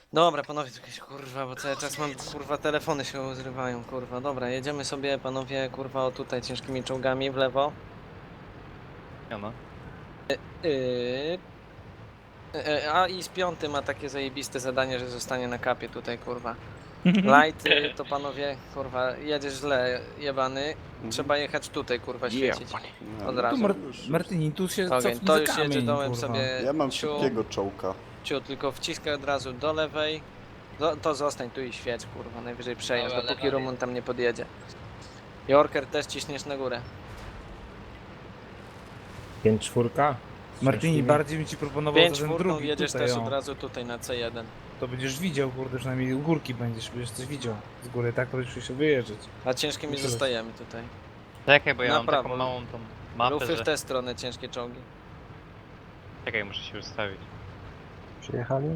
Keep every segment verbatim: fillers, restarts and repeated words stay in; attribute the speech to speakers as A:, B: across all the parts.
A: Dobra, panowie, to jakieś kurwa, bo cały czas mam, kurwa, telefony się zrywają, kurwa. Dobra, jedziemy sobie, panowie, kurwa, o tutaj ciężkimi czołgami w lewo.
B: Ja no.
A: Yy... yy, A i z piąty ma takie zajebiste zadanie, że zostanie na kapie tutaj, kurwa. Light, yy, to panowie, kurwa, jedziesz źle, jebany. Trzeba jechać tutaj, kurwa, świecić.
C: No,
A: Od
C: no
A: razu.
C: to
D: Tu Mar
C: już,
D: Martini, tu się
A: Ogień,
D: cofnij
A: to
D: za
A: już jedzie
D: kamień,
A: dołem
D: kurwa.
A: sobie.
C: Ja mam
A: ciu,
C: szybkiego czołka.
A: ciu, tylko wciskaj od razu do lewej. Do, to zostań tu i świeć, kurwa, najwyżej przejazd,
E: Dobra,
A: dopóki
E: lewa
A: Rumun tam nie podjedzie. Jorker też ciśniesz na górę.
F: pięć czwórka?
D: Martini, bardziej bym ci proponował
A: pięć
D: za ten
A: czwórką
D: drugi
A: jedziesz
D: tutaj,
A: też
D: o.
A: od razu tutaj na C jeden.
D: To będziesz widział, kurde, przynajmniej u górki będziesz, będziesz coś widział z góry, tak? To będziesz się wyjeżdżać.
A: A ciężkimi
D: Myślę, że-
A: zostajemy tutaj.
B: Czekaj, bo ja
A: Na
B: mam
A: prawo.
B: taką małą tą mapę,
A: Lufy w
B: że...
A: tę stronę ciężkie czołgi.
B: Czekaj, muszę się ustawić.
F: Przyjechali?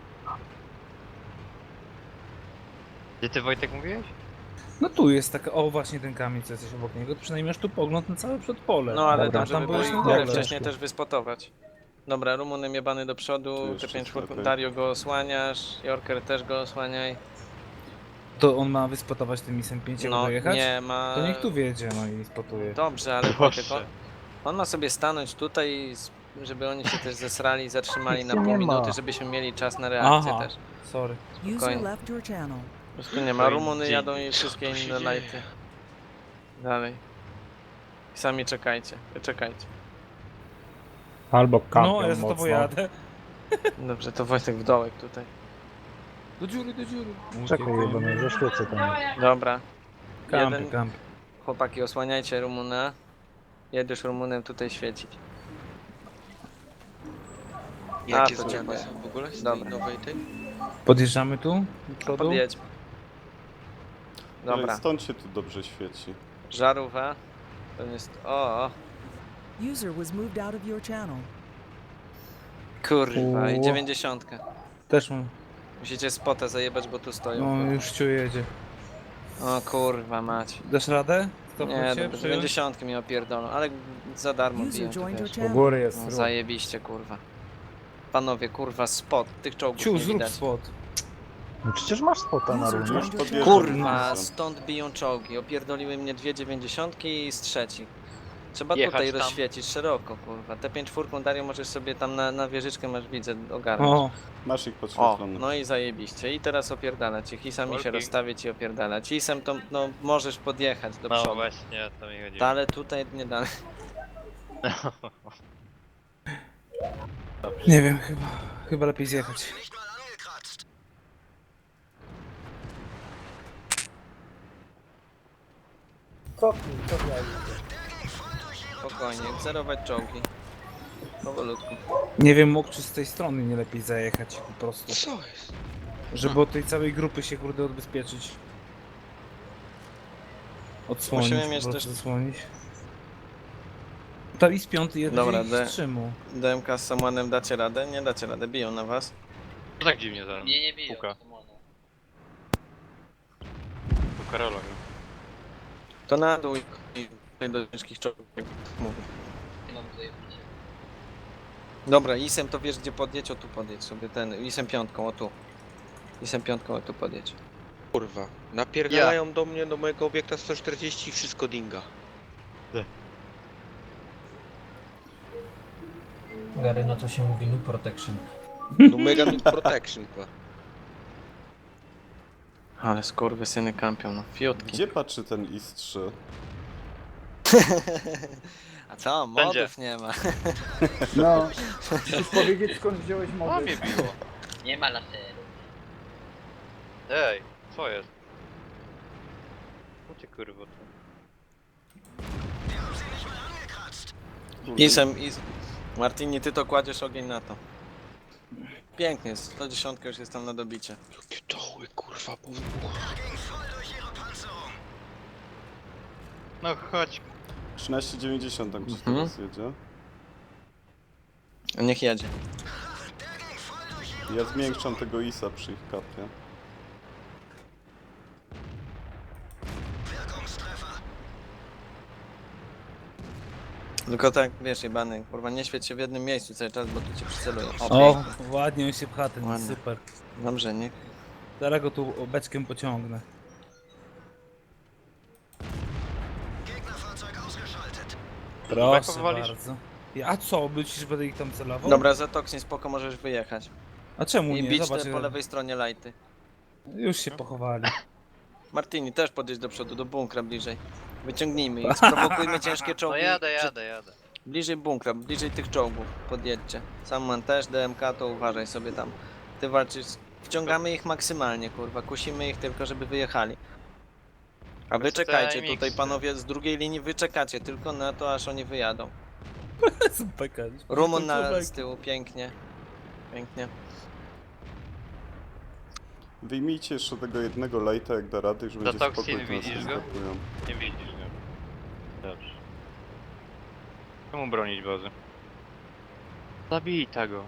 B: Gdzie ty, Wojtek, mówiłeś?
D: No tu jest taka, o właśnie ten kamień, co jesteś obok niego, to przynajmniej masz tu pogląd na całe przedpole.
A: No ale
F: Dobra,
A: tam, żeby
D: tam
A: było
D: byłeś
A: ich
D: na
A: górę
D: dole.
A: wcześniej też wyspotować. Dobra, Rumunem jebany do
C: Tu
A: przodu,
C: jeszcze
A: T pięć
C: sklepy.
A: Dario go osłaniasz, Jorker też go osłaniaj.
D: To on ma wyspotować tym misem pięć, jak
A: No
D: dojechać?
A: nie ma...
D: To niech tu wjedzie, no i spotuje.
A: Dobrze, ale
B: Proszę.
A: Wojtek, on, on ma sobie stanąć tutaj, i s- żeby oni się też zesrali i zatrzymali na
F: Nie
A: pół
F: ma.
A: minuty, żebyśmy mieli czas na reakcję
D: Aha.
A: też.
D: Sorry.
A: Spokojnie.
G: User left your channel.
A: Po prostu nie ma.
B: Oj,
A: Rumuny
B: dzień.
A: jadą i wszystkie inne lighty. Dalej. I sami czekajcie, czekajcie.
F: Albo kampią
D: No, ja za to
F: mocno.
D: pojadę.
A: Dobrze, to Wojtek w dołek tutaj.
D: Do dziury, do dziury.
F: Czekaj, jebany, zaświecę tam.
A: Dobra.
D: Kampy,
A: Jeden,
D: kampy.
A: chłopaki, osłaniajcie Rumuna. Jedziesz Rumunem tutaj świecić.
E: Jakie
A: to
E: zmiany
A: dziękuję.
E: są w ogóle z
A: Dobra.
E: tej nowej tej?
D: Podjeżdżamy tu? Do przodu?
A: Podjedźmy. Dobra,
C: Ale stąd się tu dobrze świeci.
A: żarówka. To jest... O,
G: User was moved out of your channel.
A: kurwa, i
D: O.
A: dziewięćdziesiątka.
D: Też mam.
A: Musicie spotę zajebać, bo tu stoją.
D: No, już ciu jedzie.
A: O kurwa mać.
D: Dasz radę?
A: Nie,
D: Stopnąć się,
A: dobra,
D: przyjąć?
A: dziewięćdziesiątki mi opierdolą, ale za darmo
G: User
A: biją, to
G: joined your
A: wiesz.
F: U
G: channel.
F: góry jest
A: No,
F: ruch.
A: zajebiście, kurwa. Panowie, kurwa, spot, tych czołgów
D: Ciu,
A: nie
D: zrób
A: widać.
D: spot.
F: No przecież masz spota na
G: User
F: równi.
G: joined your
C: podjeżdżam.
G: channel.
A: Kurwa,
C: Misem.
A: stąd biją czołgi. Opierdoliły mnie dwie dziewięćdziesiątki i z trzeci. Trzeba
B: Jechać
A: tutaj
B: tam.
A: rozświecić szeroko, kurwa. Te pięć czwórką Dario możesz sobie tam na, na wieżyczkę masz widzę ogarnąć.
D: O,
C: Masz ich
A: O,
C: podświetlone.
A: no i zajebiście. I teraz opierdalać ich. I sami się
B: Wolki.
A: rozstawić i opierdalać. Isem to, no, możesz podjechać do
B: No
A: przodu.
B: właśnie, o to mi chodzi.
A: Ta, ale tutaj nie dalej.
D: nie wiem, chyba, chyba lepiej zjechać.
A: Spokojnie, cerować czołgi. Powolutku.
D: Nie wiem, mógł czy z tej strony nie lepiej zajechać po prostu.
E: Co jest?
D: Żeby od tej całej grupy się kurde odbezpieczyć. Odsłonić,
A: Musimy
D: po
A: mieć
D: prostu
A: też-
D: zasłonić. Tam i z piąty jeden
A: Dobra,
D: ich
A: D.
D: wstrzymał.
A: D M K z Samuanem dacie radę? Nie dacie radę, biją na was.
B: To tak dziwnie zaraz.
E: Nie, nie biją.
B: Puka.
E: Simona.
B: Tu Karola.
A: To na dół i i do ciężkich czołgów. Mówię.
E: Mam zajebiście.
A: Dobra, Isem to wiesz gdzie podjedź, o tu podjedź sobie ten, Isem piątką, o tu. Isem piątką, o tu podjedź.
E: Kurwa, napierdalają do mnie, do mojego obiekta sto czterdzieści i wszystko dinga.
H: Gary, no to się mówi New Protection.
E: No mega Nuke protection, kwa.
A: Ale skurwysyny kampią, no fiutki.
C: Gdzie patrzy ten I S trzy?
A: A co,
B: Będzie.
A: modów nie ma.
F: No, musisz powiedzieć skąd wziąłeś
B: A
F: mody.
B: mnie biło.
E: Nie ma laseru.
B: Ej, co jest? Co ty kurwa tu?
A: Isem, is... Martini, ty to kładziesz ogień na to. Pięknie, sto dziesięć już jest tam na dobicie.
E: Jakie doły, kurwa, po wybuchu.
B: No chodź.
C: trzynaście dziewięćdziesiąt tam czy
A: Mhm.
C: teraz jedzie.
A: Niech jedzie.
C: Ja zwiększam tego I S a przy ich kapie.
A: Tylko tak, wiesz, jebany, kurwa, nie świeć się w jednym miejscu cały czas, bo tu cię przycelują. O,
D: O,
A: pięknie.
D: ładnie on się pcha, ten
A: Ładnie.
D: super.
A: Dobrze, nie?
D: Zaraz go tu beczkiem pociągnę. Proszę
B: powalisz?
D: bardzo. Ja- A co, myślisz, że będę ich tam celował?
A: Dobra, za Toxin spoko, możesz wyjechać.
D: A czemu
A: I
D: nie?
A: bić
D: Zobacz,
A: te po lewej stronie lighty.
D: już się pochowali.
A: Martini, też podjedź do przodu, do bunkra bliżej. Wyciągnijmy ich, sprowokujmy ciężkie
B: No
A: czołgi.
B: jadę,
A: Przy-
B: jadę, jadę.
A: Bliżej bunkra, bliżej tych czołgów, podjedźcie. Samman też, D M K to uważaj sobie tam. Ty walczysz, wciągamy ich maksymalnie, kurwa, kusimy ich tylko, żeby wyjechali. A wy
B: Bez
A: czekajcie
B: timing.
A: tutaj, panowie, z drugiej linii wy czekacie tylko na to, aż oni wyjadą.
D: Super.
A: Rumun na, z tyłu, pięknie. Pięknie.
C: Wyjmijcie jeszcze tego jednego lejta, jak da rady, już będzie
B: Toxin,
C: spokój, to nas
B: widzisz go?
C: zaskakują.
B: Nie widzisz go. Dobrze. Czemu bronić bazy? Zabij go.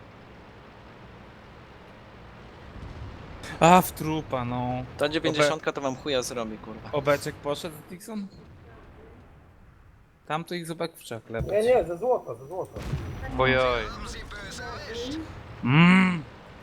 D: A, w trupa, no.
A: Ta dziewięćdziesiątka to wam chuja zrobi, kurwa.
D: Obeczek poszedł, Dixon? Tam to ich zobacz w czak
F: Nie,
D: lepać.
F: nie, ze złota, ze złota.
B: Ojoj.
D: Mmm.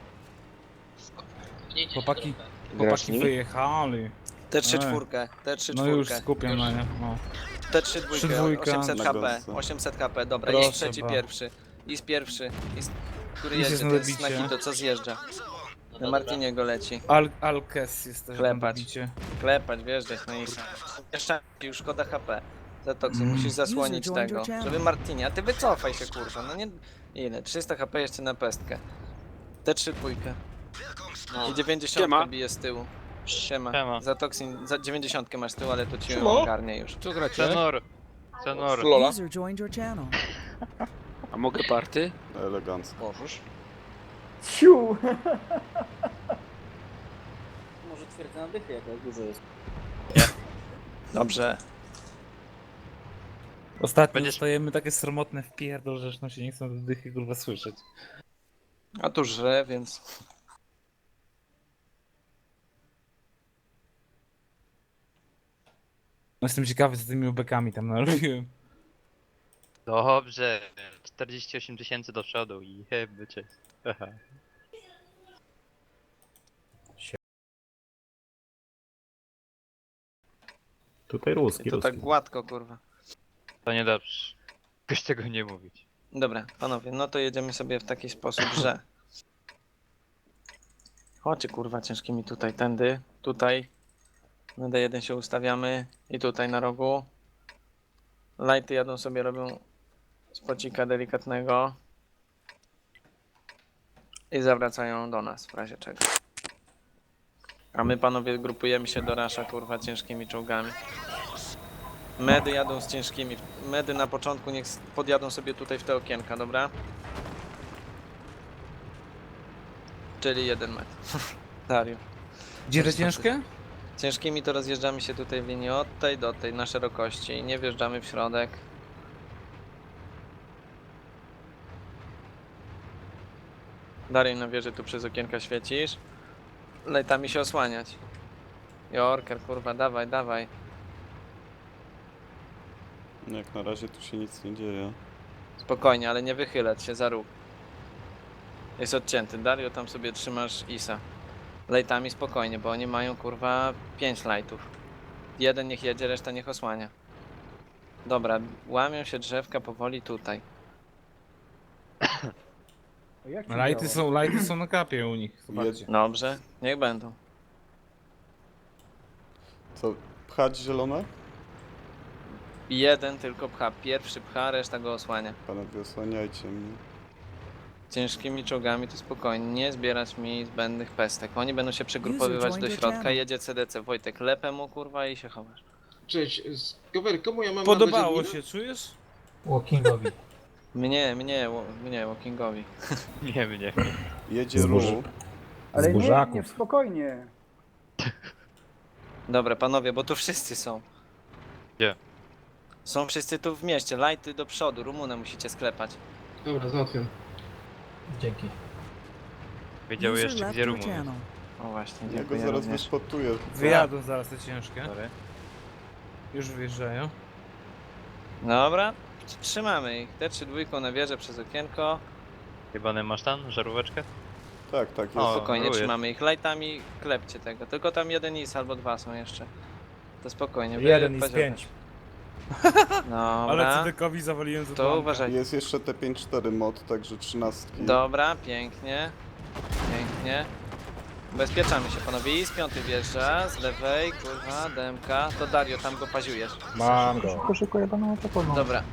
D: Chłopaki, chłopaki wyjechali.
A: T trzy
D: Ej.
A: czwórkę, T trzy
D: No już
A: czwórkę.
D: skupiam na nie. No.
A: T trzy
D: Trzy
A: dwójkę,
D: dwójka.
A: osiemset
C: Na
A: H P,
C: gąsce.
A: osiemset H P, dobra,
D: Proszę
A: jest trzeci
D: ba.
A: pierwszy. Jest pierwszy, jest, który
D: Jest
A: jedzie,
D: na
A: to jest
D: dobicie.
A: Nakito, co zjeżdża. Na Martiniego leci.
D: Al Alkes jest też na
A: Klepać.
D: dobicie.
A: Klepać, wjeżdżać na Isa. Jeszcze już szkoda H P. Za Toxin,
D: Mm.
A: musisz zasłonić
G: User joined
A: tego,
G: your channel.
A: żeby Martinie, a ty wycofaj się, kurwa, no nie... Ile? trzysta H P jeszcze na pestkę. T trzy dwójkę. I dziewięćdziesiąt bije z tyłu. Siema.
B: Siema.
A: Za Toxin, za dziewięćdziesiąt masz z tyłu, ale to ci ją ogarnie już.
I: Co gracie?
B: Senor. Senor.
G: User joined your channel.
I: A mogę party?
C: Elegancko.
I: Możesz.
F: Ciu!
J: Może twierdza na dychy, jak dużo jest.
A: Dobrze.
D: Ostatnio
B: Będziesz-
D: dostajemy takie sromotne wpierdol, że no się nie chcą do dychy kurwa słyszeć.
A: A tu żre, więc...
D: No jestem ciekawy, co tymi ubekami tam narobiłem.
B: Dobrze. czterdzieści osiem tysięcy do przodu i jeby cię. Haha.
K: Tutaj
A: I
K: ruski,
A: to tak
K: ruski.
A: gładko, kurwa.
B: To niedobrze. Ktoś tego nie mówić.
A: Dobra, panowie, no to jedziemy sobie w taki sposób, że... Chodźcie, kurwa, ciężkimi tutaj, tędy, tutaj. Na D jeden się ustawiamy i tutaj na rogu. Lighty jadą sobie, robią spocika delikatnego. I zawracają do nas, w razie czego. A my, panowie, grupujemy się do rasza, kurwa, ciężkimi czołgami. Medy jadą z ciężkimi. Medy na początku niech podjadą sobie tutaj w te okienka, dobra? Czyli jeden metr. Dario.
D: Gdzie te ciężkie?
A: Ciężkimi to rozjeżdżamy się tutaj w linii od tej do tej na szerokości i nie wjeżdżamy w środek. Dario, na wieży tu przez okienka świecisz. Lejtami się osłaniać. Jorker, kurwa, dawaj, dawaj.
C: No jak na razie tu się nic nie dzieje.
A: Spokojnie, ale nie wychylać się za róg. Jest odcięty. Dario, tam sobie trzymasz Isa. Lejtami spokojnie, bo oni mają kurwa pięć lightów. Jeden niech jedzie, reszta niech osłania. Dobra, łamią się drzewka powoli tutaj.
F: Jak ci
D: Lighty
F: działa?
D: są, lighty są na kapie u nich, zobaczcie.
A: Dobrze, niech będą.
C: Co, pchać zielone?
A: Jeden tylko pcha, pierwszy pcha, reszta go osłania.
C: Panowie, osłaniajcie mnie.
A: Ciężkimi czołgami to spokojnie, nie zbierać mi zbędnych pestek. Oni będą się przegrupowywać do środka, jedzie C D C. Wojtek, lepę mu kurwa i się chowasz.
J: Cześć, Skower, komu ja mam
D: Podobało
J: nadać
D: się, czujesz?
H: Walkingowi.
A: Mnie, mnie, wo- mnie, Walkingowi.
B: Nie mnie.
C: Jedzie
K: Zburzy-
C: Ru.
F: Ale nie,
K: Zburzaków.
F: nie, spokojnie.
A: Dobra, panowie, bo tu wszyscy są.
B: Gdzie?
A: Są wszyscy tu w mieście, lighty do przodu, Rumunę musicie sklepać.
J: Dobra, załatwiam.
H: Dzięki.
B: Wiedział
G: User
B: jeszcze
G: left
B: gdzie
G: your
B: Rumun jest.
G: channel.
A: O właśnie,
C: Ja go
A: dziękuję
C: zaraz
A: również.
C: wyspotuję.
D: Wyjadą zaraz te ciężkie.
B: Sorry.
D: Już wyjeżdżają.
A: Dobra, Trzymamy ich. Te trzy dwójką na wieżę przez okienko.
B: Jebany masz tam żaróweczkę?
C: Tak, tak, jest.
B: O,
A: Spokojnie
B: rujesz.
A: trzymamy ich. Lightami klepcie tego. Tylko tam jeden is albo dwa są jeszcze. To spokojnie. wy
D: Jeden i z
A: poziomy.
D: pięć.
A: Dobra.
D: Ale C D K-owi zawaliłem za
A: To
D: dwa.
A: uważaj.
C: Jest jeszcze T pięć cztery mod, także trzynastki.
A: Dobra, pięknie. Pięknie. Ubezpieczamy się panowie. I z piąty wjeżdża, z lewej, kurwa, D M K. To Dario, tam go paziujesz.
F: Mam go. Szybko, szybko, jebaną czekową.
A: Dobra,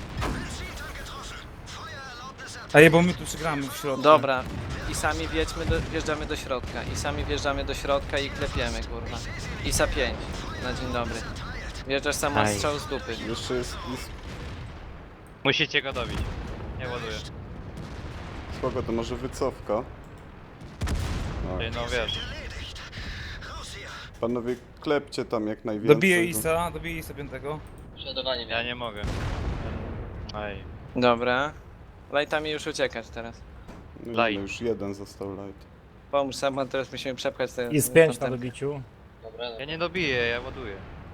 D: A je, bo my tu przegramy w środku.
A: dobra. I sami wjedźmy do, wjeżdżamy do środka. I sami wjeżdżamy do środka i klepiemy, kurwa. Isa pięć. Na dzień dobry. Wjeżdżasz samo
B: Aj.
A: strzał z dupy.
C: Jeszcze jest is...
B: Musicie go dobić. Nie ładuję.
C: Spoko, to może wycofka. No.
B: Ty, no wiesz.
C: Panowie, klepcie tam jak najwięcej.
D: Dobiję Isa, dobiję Isa piątego.
J: Przeładowanie
B: Ja nie mogę. Aj.
A: Dobra. Lightami już uciekać teraz.
C: No, no,
B: Light.
C: już jeden został light.
A: Pomóż sam, bo teraz musimy przepchać te...
F: Jest pięć na
A: tamten-
F: dobiciu.
J: Dobra,
B: Ja nie dobiję, ja ładuję.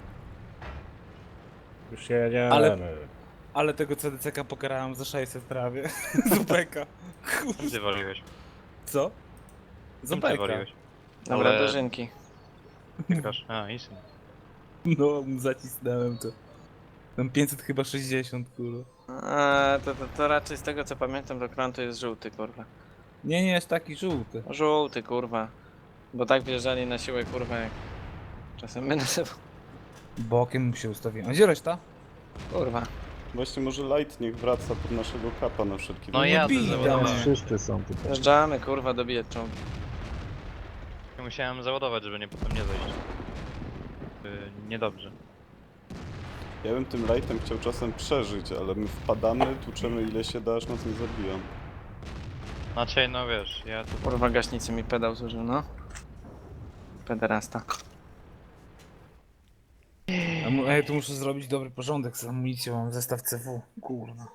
F: Już jedziemy.
D: Ale- Ale tego C D C K pokarałem za sześćset prawie. Zupeka.
B: Czym ty waliłeś?
D: Co?
B: Czym ty
D: Zupeka.
B: waliłeś?
A: Dobra,
B: Ale-
A: dożynki.
B: Tykasz. A, Isy.
D: No, zacisnąłem to. Tam pięćset chyba sześćdziesiąt, kurwa.
A: A, to, to, to raczej z tego co pamiętam, to klan to jest żółty, kurwa.
D: Nie, nie, jest taki żółty.
A: Żółty, kurwa. Bo tak wjeżdżali na siłę, kurwa, jak... Czasem my na sobą.
D: Bokiem mu się ustawiłem. A gdzie reszta?
A: Kurwa.
C: Właśnie może light niech wraca pod naszego kapa na wszelki
B: No
C: wypadek.
B: ja
D: bij,
B: załadowałem.
F: Wszyscy są tutaj.
A: Wjeżdżamy, kurwa, dobijać czołgi.
B: Musiałem załadować, żeby nie potem nie zejść. Yy, niedobrze.
C: Ja bym tym lightem chciał czasem przeżyć, ale my wpadamy, tłuczemy ile się da, aż nas nie zabiją.
B: Znaczy, no wiesz, ja tu...
A: Kurwa, gaśnicy mi pedał zużył, no. Pederasta.
D: A, mu- a ja tu muszę zrobić dobry porządek z amunicją, mam zestaw C W. Kurwa.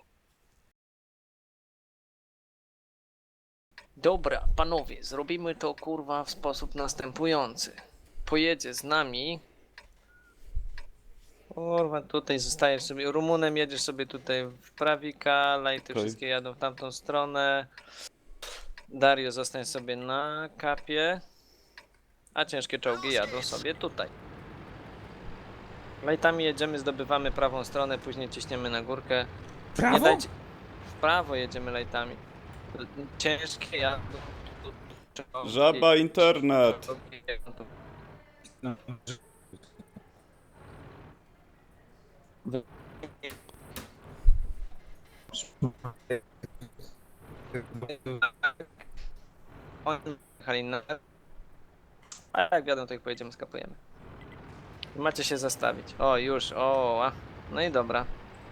A: Dobra, panowie, zrobimy to, kurwa, w sposób następujący. Pojedzie z nami... Kurwa, tutaj zostajesz sobie, Rumunem jedziesz sobie tutaj w prawika, lajty
C: Okej.
A: wszystkie jadą w tamtą stronę. Dario zostań sobie na kapie, a ciężkie czołgi jadą sobie tutaj. Lajtami jedziemy, zdobywamy prawą stronę, później ciśniemy na górkę. Nie
D: Prawo?
A: dajcie... W prawo jedziemy lajtami. Ciężkie jadą. czołgi-
C: Żaba internet!
A: czołgi jadą tu.
D: No.
A: Oni jechali na... A jak wiadomo, to ich pojedziemy, skapujemy. Macie się zastawić. O, już, o, a. No i dobra.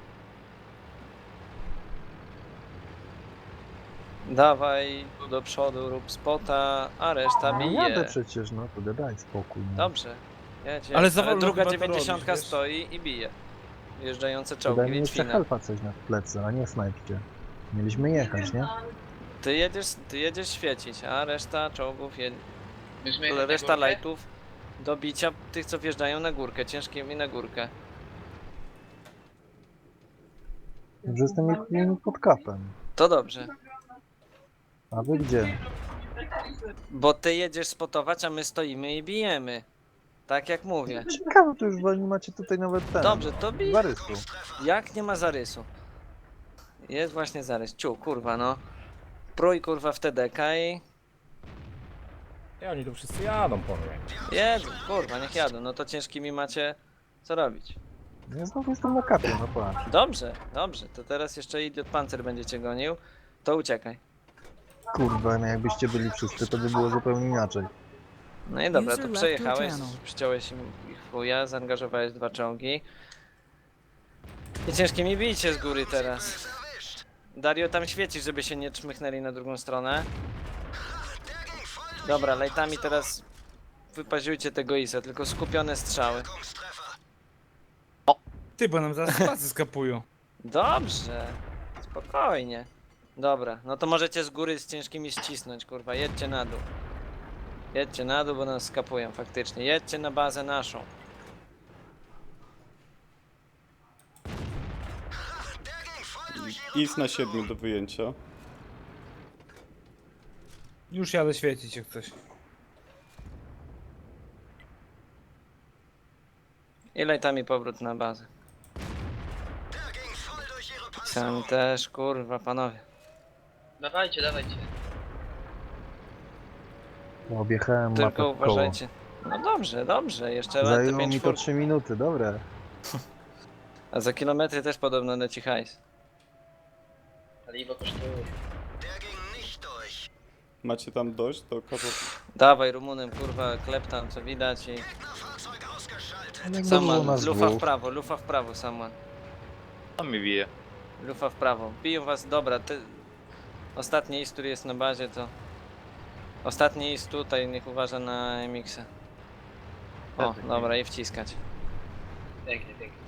A: Dawaj tu do przodu, rób spota, a reszta
F: No jadę
A: bije.
F: przecież, no to daj spokój. No.
A: Dobrze. Jedź, jedź.
D: Ale za wolno
A: druga
D: chyba to
A: dziewięćdziesiątka
D: robisz, wiesz?
A: stoi i bije. Wjeżdżające
F: To
A: czołgi,
F: daj mi jeszcze
A: Litwina.
F: helpa coś na plecy, a nie snajpcie. Mieliśmy jechać, nie?
A: Ty jedziesz, ty jedziesz świecić, a reszta czołgów, je...
J: Myśmy jechali na
A: reszta
J: górkę?
A: lightów do bicia tych, co wjeżdżają na górkę, ciężkimi na górkę.
F: Że jestem ich pod kapem.
A: To dobrze,
F: A wy gdzie?
A: bo ty jedziesz spotować, a my stoimy i bijemy. Tak jak mówię.
F: Ciekawe, to już nie macie tutaj nawet ten.
A: Dobrze, to bij.
F: Zarysu.
A: Jak nie ma zarysu? Jest właśnie zarys. Ciu, kurwa, no. Prój, kurwa, w T D K i...
F: I oni tu wszyscy jadą po mnie.
A: Jedu, kurwa, niech jadą. No to ciężkimi macie co robić.
F: Ja znowu jestem na kapie, no patrz.
A: Dobrze, dobrze. To teraz jeszcze idiot pancer będzie cię gonił. To uciekaj.
F: Kurwa, no jakbyście byli wszyscy, to by było zupełnie inaczej.
A: No i dobra,
G: User
A: to
G: left
A: przejechałeś,
G: your channel.
A: przyciąłeś im ich w chuja, zaangażowałeś dwa czołgi. I ciężkimi bijcie z góry teraz. Dario, tam świecisz, żeby się nie czmychnęli na drugą stronę. Dobra, lejtami teraz wypaziujcie tego Isa, tylko skupione strzały.
D: Ty, bo nam zaraz spacy skapują.
A: Dobrze, spokojnie. Dobra, no to możecie z góry z ciężkimi ścisnąć, kurwa, jedźcie na dół. Jedźcie na dół, bo nas skapują faktycznie. Jedźcie na bazę naszą.
C: Is na siedmiu do wyjęcia.
D: Już jadę świecić jak coś.
A: I lajtami powrót na bazę. Sam też, kurwa, panowie.
J: Dawajcie, dawajcie.
F: Objechałem
A: Tylko uważajcie. No dobrze, dobrze, jeszcze lat
F: Zajęło
A: pięć
F: mi to
A: czwór...
F: trzy minuty, dobre.
A: A za kilometry też podobno leci hajs.
J: Paliwo kosztuje.
C: Macie tam dość do kapo...
A: Dawaj Rumunem, kurwa, klep tam, co widać i...
F: Ale było
A: Saman,
F: nas
A: lufa w
F: dwóch.
A: prawo, lufa w prawo, Saman.
B: On mi bije.
A: Lufa w prawo. Biją was, dobra, ty... Ostatni ist, który jest na bazie, to... Ostatni ist tutaj, niech uważa na M X-a. O, dobra, i wciskać.
J: Pięknie, pięknie.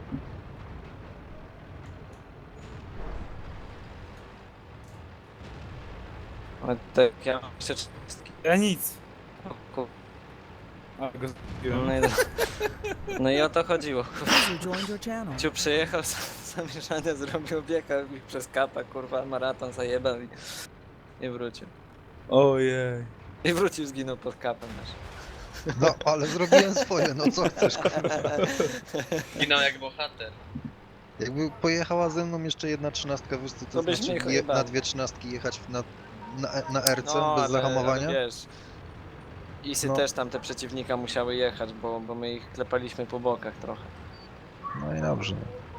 A: O, tak, ja mam jeszcze czterdzieści.
D: Ja nic.
A: O, kur...
D: A, go zbiłem.
A: no, i... no i o to chodziło.
G: User joined your channel.
A: Ciu przyjechał, zamieszanie zrobił, biegał mi przez kapa, kurwa, maraton zajebał i... I wrócił.
D: Ojej.
A: I wrócił, zginął pod kapem też.
F: No, ale zrobiłem swoje, no co chcesz?
J: Ginął jak bohater.
F: Jakby pojechała ze mną jeszcze jedna trzynastka, wiesz co
A: To
F: to
A: byś
F: znaczy
A: mnie
F: je,
A: chyba-
F: na dwie trzynastki jechać na, na, na R C
A: No,
F: bez
A: ale-
F: zahamowania?
A: Ale wiesz, Isy
F: No.
A: też tam te przeciwnika musiały jechać, bo, bo my ich klepaliśmy po bokach trochę.
F: No i dobrze.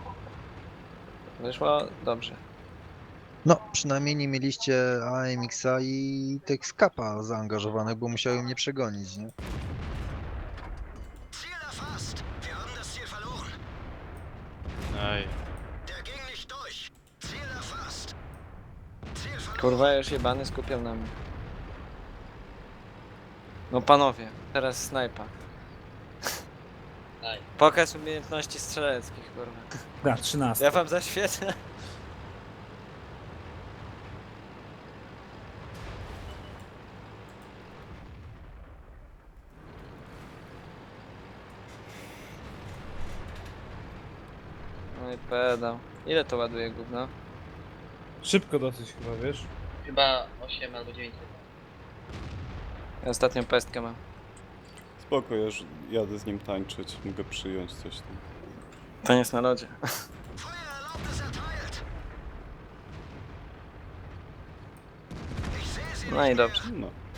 A: Wyszło dobrze.
F: No, przynajmniej nie mieliście A M X-a i tych skapa zaangażowanych, bo musiały mnie przegonić, nie?
B: Aj.
A: Kurwa, już jebany skupiał na mnie. No panowie, teraz snajpa.
J: Daj.
A: Pokaz umiejętności strzeleckich, kurwa.
D: Da, trzynaście.
A: Ja wam zaświecę. No i pedał. Ile to ładuje gówno?
D: Szybko dosyć chyba, wiesz?
J: Chyba osiem albo dziewięć.
A: Ja ostatnią pestkę mam.
C: Spoko, ja już jadę z nim tańczyć, mogę przyjąć coś tam.
A: To nie jest na lodzie. No i dobrze.
C: No.